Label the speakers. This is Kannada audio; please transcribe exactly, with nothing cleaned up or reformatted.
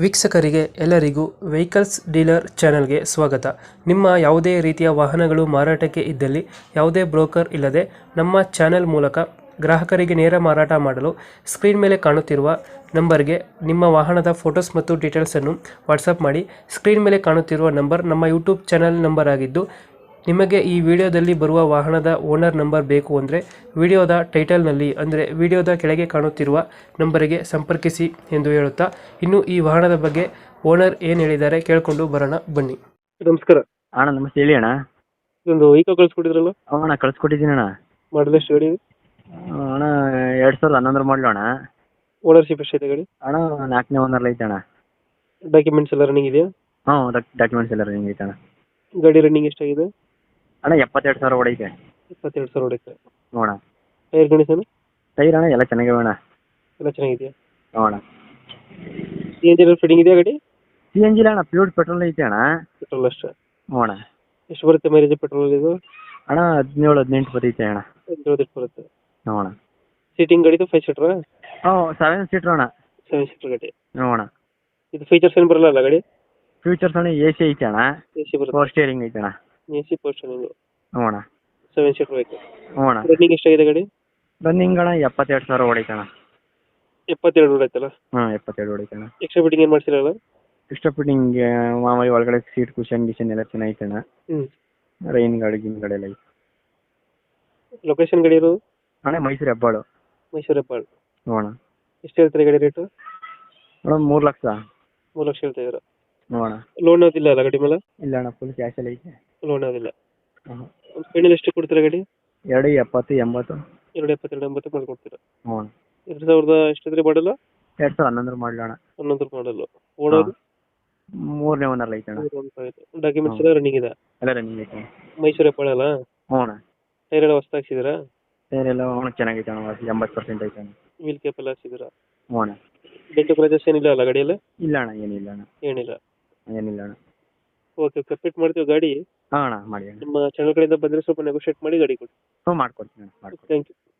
Speaker 1: ವೀಕ್ಷಕರಿಗೆ ಎಲ್ಲರಿಗೂ ವೆಹಿಕಲ್ಸ್ ಡೀಲರ್ ಚಾನೆಲ್ಗೆ ಸ್ವಾಗತ. ನಿಮ್ಮ ಯಾವುದೇ ರೀತಿಯ ವಾಹನಗಳು ಮಾರಾಟಕ್ಕೆ ಇದ್ದಲ್ಲಿ ಯಾವುದೇ ಬ್ರೋಕರ್ ಇಲ್ಲದೆ ನಮ್ಮ ಚಾನೆಲ್ ಮೂಲಕ ಗ್ರಾಹಕರಿಗೆ ನೇರ ಮಾರಾಟ ಮಾಡಲು ಸ್ಕ್ರೀನ್ ಮೇಲೆ ಕಾಣುತ್ತಿರುವ ನಂಬರ್ಗೆ ನಿಮ್ಮ ವಾಹನದ ಫೋಟೋಸ್ ಮತ್ತು ಡೀಟೇಲ್ಸನ್ನು ವಾಟ್ಸಪ್ ಮಾಡಿ. ಸ್ಕ್ರೀನ್ ಮೇಲೆ ಕಾಣುತ್ತಿರುವ ನಂಬರ್ ನಮ್ಮ ಯೂಟ್ಯೂಬ್ ಚಾನೆಲ್ ನಂಬರ್ ಆಗಿದ್ದು, ನಿಮಗೆ ಈ ವಿಡಿಯೋದಲ್ಲಿ ಬರುವ ವಾಹನದ ಓನರ್ ನಂಬರ್ ಬೇಕು ಅಂದರೆ ವಿಡಿಯೋದ ಟೈಟಲ್ನಲ್ಲಿ ಅಂದರೆ ವಿಡಿಯೋದ ಕೆಳಗೆ ಕಾಣುತ್ತಿರುವ ನಂಬರಿಗೆ ಸಂಪರ್ಕಿಸಿ ಎಂದು ಹೇಳುತ್ತಾ, ಇನ್ನು ಈ ವಾಹನದ ಬಗ್ಗೆ ಓನರ್ ಏನು ಹೇಳಿದ್ದಾರೆ ಕೇಳಿಕೊಂಡು ಬರೋಣ ಬನ್ನಿ. ನಮಸ್ಕಾರ
Speaker 2: ಅಣ್ಣ. ನಮಸ್ತೆ, ಹೇಳಿ ಅಣ್ಣ.
Speaker 1: ಇದೊಂದು ವೆಹಿಕಲ್ ಕಳಿಸ್ಕೊಟ್ಟಿದ್ರಲ್ಲ,
Speaker 2: ಹ್ಞೂ ಅಣ್ಣ, ಕಳ್ಸಿಕೊಟ್ಟಿದ್ದೀನಿ ಅಣ್ಣ.
Speaker 1: ಮಾಡಲ್ ಎಷ್ಟು ಗಾಡಿ?
Speaker 2: ಅಣ್ಣ ಎರಡು ಸಾವಿರದ ಹನ್ನೊಂದರ ಮಾಡಲು ಅಣ್ಣ.
Speaker 1: ಓನರ್ಶಿಪ್ ಎಷ್ಟೈತೆ ಗಾಡಿ?
Speaker 2: ಅಣ್ಣ ನಾಲ್ಕನೇ ಓನರ್ಲಿ ಐತೆ ಅಣ್ಣ.
Speaker 1: ಡಾಕ್ಯುಮೆಂಟ್ಸ್ ಎಲ್ಲ ರನ್ನಿಂಗ್ ಇದೆಯಾ?
Speaker 2: ಹ್ಞೂ, ಡಾಕ್ಯುಮೆಂಟ್ಸ್ ಎಲ್ಲ ರನ್ನಿಂಗ್ ಐತೆ ಅಣ್ಣ.
Speaker 1: ಗಾಡಿ ರನ್ನಿಂಗ್ ಎಷ್ಟಾಗಿದೆ?
Speaker 2: ಅಣ್ಣ ಎಪ್ಪತ್ತೆರಡು ಸಾವಿರ ಹೊಡೈತೆ.
Speaker 1: ಇಪ್ಪತ್ತೆರಡು ಸಾವಿರ ಹೊಡೈತೆ.
Speaker 2: ನೋಡ
Speaker 1: ಟೈರ್ ಕಂಡೀಷನ್?
Speaker 2: ಟೈರ್ ಅಣ್ಣ ಎಲ್ಲ ಚೆನ್ನಾಗಿವೆ ಅಣ್ಣ.
Speaker 1: ಎಲ್ಲ ಚೆನ್ನಾಗಿದೆಯಾ?
Speaker 2: ನೋಡ
Speaker 1: ಸಿ ಎನ್ ಜಿ ಫಿಟ್ಟಿಂಗ್ ಇದೆಯಾ ಗಾಡಿ?
Speaker 2: ಸಿ ಎನ್ ಜಿ ಅಣ್ಣ, ಪ್ಯೂರ್ ಪೆಟ್ರೋಲ್ ಐತೆ ಅಣ್ಣ.
Speaker 1: ಪೆಟ್ರೋಲ್ ಅಷ್ಟೇ?
Speaker 2: ನೋಡ
Speaker 1: ಎಷ್ಟು ಬರುತ್ತೆ ಮೈಲೇಜ್ ಪೆಟ್ರೋಲ್ ಇದು?
Speaker 2: ಅಣ್ಣ ಹದಿನೇಳು ಹದಿನೆಂಟು ಬರ್ತೈತೆ ಅಣ್ಣ.
Speaker 1: ಹದಿನೇಳು ಬರುತ್ತೆ.
Speaker 2: ನೋಡ
Speaker 1: ಸೀಟಿಂಗ್ ಗಾಡಿದು ಫೈವ್ ಸೀಟ್ರಾ?
Speaker 2: ಹ್ಞೂ, ಸೆವೆನ್ ಸೀಟ್ರ್ ಅಣ್ಣ.
Speaker 1: ಸೆವೆನ್ ಸೀಟರ್ ಗಾಡಿ.
Speaker 2: ನೋಡ
Speaker 1: ಇದು ಫೀಚರ್ಸ್ ಏನು ಬರಲ್ಲ ಅಲ್ಲ ಗಾಡಿ?
Speaker 2: ಫ್ಯೂಚರ್ಸ್ ಅಣ್ಣ ಎ ಸಿ ಐತೆ ಅಣ್ಣ.
Speaker 1: ಎ ಸಿ ಬರುತ್ತೆ.
Speaker 2: ಫೋರ್ ಸ್ಟೇರಿಂಗ್ ಐತೆ ಅಣ್ಣ.
Speaker 1: ಎ ಸಿ ಪೋರ್ಷನ್ ಇದು.
Speaker 2: ನೋಡ
Speaker 1: ಸೆವೆನ್ ಸೀಟರ್ ಬೇಕು.
Speaker 2: ನೋಡ
Speaker 1: ರನ್ನಿಂಗ್ ಎಷ್ಟಾಗಿದೆ ಗಾಡಿ?
Speaker 2: ರನ್ನಿಂಗ್ ಅಣ್ಣ ಎಪ್ಪತ್ತೆರಡು ಸಾವಿರ ಹೊಡೈತೆ ಅಣ್ಣ.
Speaker 1: ಎಪ್ಪತ್ತೆರಡು ಹೊಡೈತಲ್ಲ?
Speaker 2: ಹ್ಞೂ, ಎಪ್ಪತ್ತೆರಡು ಹೊಡೈತೆ ಅಣ್ಣ.
Speaker 1: ಎಕ್ಸ್ಟ್ರಾ ಫಿಟ್ಟಿಂಗ್ ಏನು ಮಾಡ್ಸಿರಲ್ಲ?
Speaker 2: ಇಷ್ಟ ಫಿಟ್ಟಿಂಗ್ ಮಾಮೂಲಿ ಒಳಗಡೆ ಸೀಟ್ ಕುಷನ್ ಗಿಷನ್ ಎಲ್ಲ ಚೆನ್ನಾಗೈತೆ ಅಣ್ಣ.
Speaker 1: ಹ್ಞೂ.
Speaker 2: ರೈನ್ ಗಾಡಿ ಗಿನ್ ಗಾಡಿ ಎಲ್ಲ ಐತೆ.
Speaker 1: ಲೊಕೇಶನ್ ಗಾಡಿ ಇರೋದು?
Speaker 2: ಅಣ್ಣ ಮೈಸೂರು ಹೆಬ್ಬಾಳು.
Speaker 1: ಮೈಸೂರು ಹೆಬ್ಬಾಳು.
Speaker 2: ನೋಡ
Speaker 1: ಎಷ್ಟು ಹೇಳ್ತಾರೆ ಗಾಡಿ ರೇಟು?
Speaker 2: ಮೇಡಮ್ ಮೂರು ಲಕ್ಷ.
Speaker 1: ಮೂರು ಲಕ್ಷ ಹೇಳ್ತಾ ಇದ್ದೀರಾ?
Speaker 2: ನೋಡ
Speaker 1: ಲೋನ್ ಯಾವುದಿಲ್ಲ ಅಲ್ಲ ಗಾಡಿ ಮೇಲೆ?
Speaker 2: ಇಲ್ಲ ಅಣ್ಣ, ಫುಲ್ ಕ್ಯಾಶಲ್ಲಿ ಐತೆ.
Speaker 1: ಲೋನ್ ಯಾವುದಿಲ್ಲ.
Speaker 2: ಹಾಂ,
Speaker 1: ಫೈನಲ್ ಎಷ್ಟು ಕೊಡ್ತೀರಾ ಗಾಡಿ?
Speaker 2: ಎರಡು ಎಪ್ಪತ್ತು ಎಂಬತ್ತು.
Speaker 1: ಎರಡು ಎಪ್ಪತ್ತೆರಡು ಎಂಬತ್ತು ಮಾಡ್ಕೊಡ್ತೀರಾ?
Speaker 2: ನೋಡ
Speaker 1: ಎರಡು ಸಾವಿರದ ಎಷ್ಟಿದ್ರೆ ಮಾಡಲ್ಲ?
Speaker 2: ಎರಡು ಸಾವಿರದ ಹನ್ನೊಂದರ ಮಾಡಲು ಅಣ್ಣ.
Speaker 1: ಹನ್ನೊಂದು ಮಾಡಲ್ಲ. ಓಡೋದು?
Speaker 2: ಮೂರನೇ ಓನರ್ ಐತೆ ಅಣ್ಣ.
Speaker 1: ಡಾಕ್ಯುಮೆಂಟ್ಸ್ ಎಲ್ಲ ರನ್ನಿಂಗ್ ಇದೆ?
Speaker 2: ಎಲ್ಲ ರನ್ನಿಂಗ್ ಐತೆ.
Speaker 1: ಮೈಸೂರು ಹೆಬ್ಬಾಳಲ್ಲ?
Speaker 2: ಹ್ಞೂ ಅಣ್ಣ.
Speaker 1: ಟೈರ್ ಎಲ್ಲ ಹೊಸ್ತು ಹಾಕ್ಸಿದ್ದೀರಾ?
Speaker 2: ಟೈರ್ ಎಲ್ಲ ಹ್ಞೂ ಚೆನ್ನಾಗೈತೆ ಅಣ್ಣ, ಎಂಬತ್ತು ಪರ್ಸೆಂಟ್ ಐತೆ ಅಣ್ಣ.
Speaker 1: ವೀಲ್ ಕ್ಯಾಪ್ ಎಲ್ಲ ಹಾಕ್ಸಿದ್ದೀರಾ?
Speaker 2: ಹ್ಞೂ ಅಣ್ಣ.
Speaker 1: ಡೆಂಟು ಕ್ರಾಚಸ್ ಏನಿಲ್ಲ ಅಲ್ಲ ಗಾಡಿಯಲ್ಲಿ?
Speaker 2: ಇಲ್ಲ ಅಣ್ಣ, ಏನಿಲ್ಲ ಅಣ್ಣ.
Speaker 1: ಏನಿಲ್ಲ.
Speaker 2: ಏನಿಲ್ಲ ಅಣ್ಣ.
Speaker 1: ಓಕೆ, ಕಂಪ್ಲೀಟ್ ಮಾಡ್ತೀವಿ ಗಾಡಿ.
Speaker 2: ಹಾಂ ಅಣ್ಣ, ಮಾಡಿ ಅಣ್ಣ.
Speaker 1: ನಿಮ್ಮ ಚಾನಲ್ ಕಡೆಯಿಂದ ಬಂದರೆ ಸ್ವಲ್ಪ ನೆಗೋಷಿಯೇಟ್ ಮಾಡಿ ಗಾಡಿ ಕೊಡಿ.
Speaker 2: ಹ್ಞೂ, ಮಾಡ್ಕೊಡ್ತೀನಿ ಅಣ್ಣ, ಮಾಡ್ಕೊಡ್ತೀನಿ.
Speaker 1: Thank you.